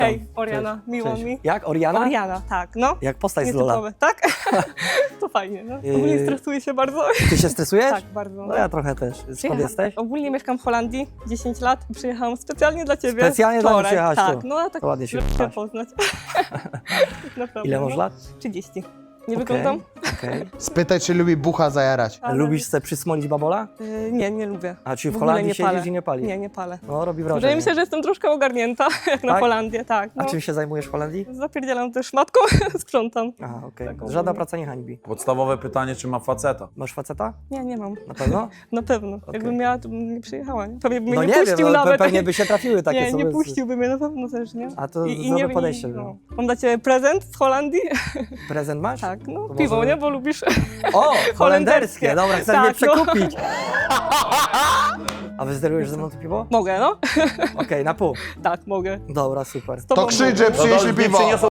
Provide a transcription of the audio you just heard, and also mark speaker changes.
Speaker 1: Hej, Oriana,
Speaker 2: Cześć.
Speaker 1: miło
Speaker 2: Cześć.
Speaker 1: mi.
Speaker 2: Jak? Oriana?
Speaker 1: Oriana, tak, no.
Speaker 2: Jak postać z Lola.
Speaker 1: Nietypowe, tak? To fajnie, no. Ogólnie stresuję się bardzo.
Speaker 2: Ty się stresujesz?
Speaker 1: Tak, bardzo.
Speaker 2: No ja trochę też. Skąd jesteś?
Speaker 1: Ogólnie mieszkam w Holandii 10 lat i przyjechałam specjalnie dla ciebie.
Speaker 2: Specjalnie dla mnie
Speaker 1: wczoraj.
Speaker 2: przyjechałaś
Speaker 1: Tak,
Speaker 2: tu.
Speaker 1: no a tak
Speaker 2: To ładnie się
Speaker 1: żeby
Speaker 2: wyraziłaś.
Speaker 1: poznać. Naprawdę,
Speaker 2: Ile masz
Speaker 1: no.
Speaker 2: lat?
Speaker 1: 30. Nie
Speaker 2: Okej,
Speaker 1: wyglądam?
Speaker 2: okej.
Speaker 3: Spytaj, czy lubi bucha zajarać.
Speaker 1: Ale-
Speaker 2: Lubisz sobie przysmolić babola?
Speaker 1: Nie, nie lubię.
Speaker 2: A czy w
Speaker 1: ogóle
Speaker 2: Holandii
Speaker 1: nie
Speaker 2: siedzisz
Speaker 1: palę.
Speaker 2: i nie palisz?
Speaker 1: Nie, nie palę.
Speaker 2: No robi
Speaker 1: Wydaje
Speaker 2: wrażenie.
Speaker 1: mi się, że jestem troszkę ogarnięta, jak na
Speaker 2: Tak?
Speaker 1: Holandię, tak.
Speaker 2: A
Speaker 1: No.
Speaker 2: czym się zajmujesz w Holandii?
Speaker 1: Zapierdzielam też matką, sprzątam.
Speaker 2: Aha, okej.
Speaker 1: Tak,
Speaker 2: Żadna
Speaker 1: ogólnie.
Speaker 2: praca nie hańbi.
Speaker 4: Podstawowe pytanie, czy ma faceta?
Speaker 2: Masz faceta?
Speaker 1: Nie, nie mam.
Speaker 2: Na pewno?
Speaker 1: Na pewno. Jakbym miała, to bym nie przyjechała. Nie? Pewnie by mnie
Speaker 2: No
Speaker 1: nie
Speaker 2: nie
Speaker 1: puścił
Speaker 2: wiem, no,
Speaker 1: nawet.
Speaker 2: pewnie by się trafiły takie
Speaker 1: Nie,
Speaker 2: sobie.
Speaker 1: nie puściłby mnie na pewno też, nie?
Speaker 2: A to zdrowe podejście było.
Speaker 1: Mam dla ciebie prezent z Holandii.
Speaker 2: Prezent masz?
Speaker 1: Tak, no
Speaker 2: To
Speaker 1: piwo,
Speaker 2: może-
Speaker 1: nie? Bo lubisz.
Speaker 2: O, holenderskie. Dobra, chcesz mnie
Speaker 1: Tak, no.
Speaker 2: przekupić. A wyzderujesz ze mną to piwo?
Speaker 1: Mogę, no?
Speaker 2: Okej, na pół.
Speaker 1: Tak, mogę.
Speaker 2: Dobra, super.
Speaker 1: Z tobą
Speaker 3: To krzycz,
Speaker 1: mogę.
Speaker 3: że przynieśli piwo.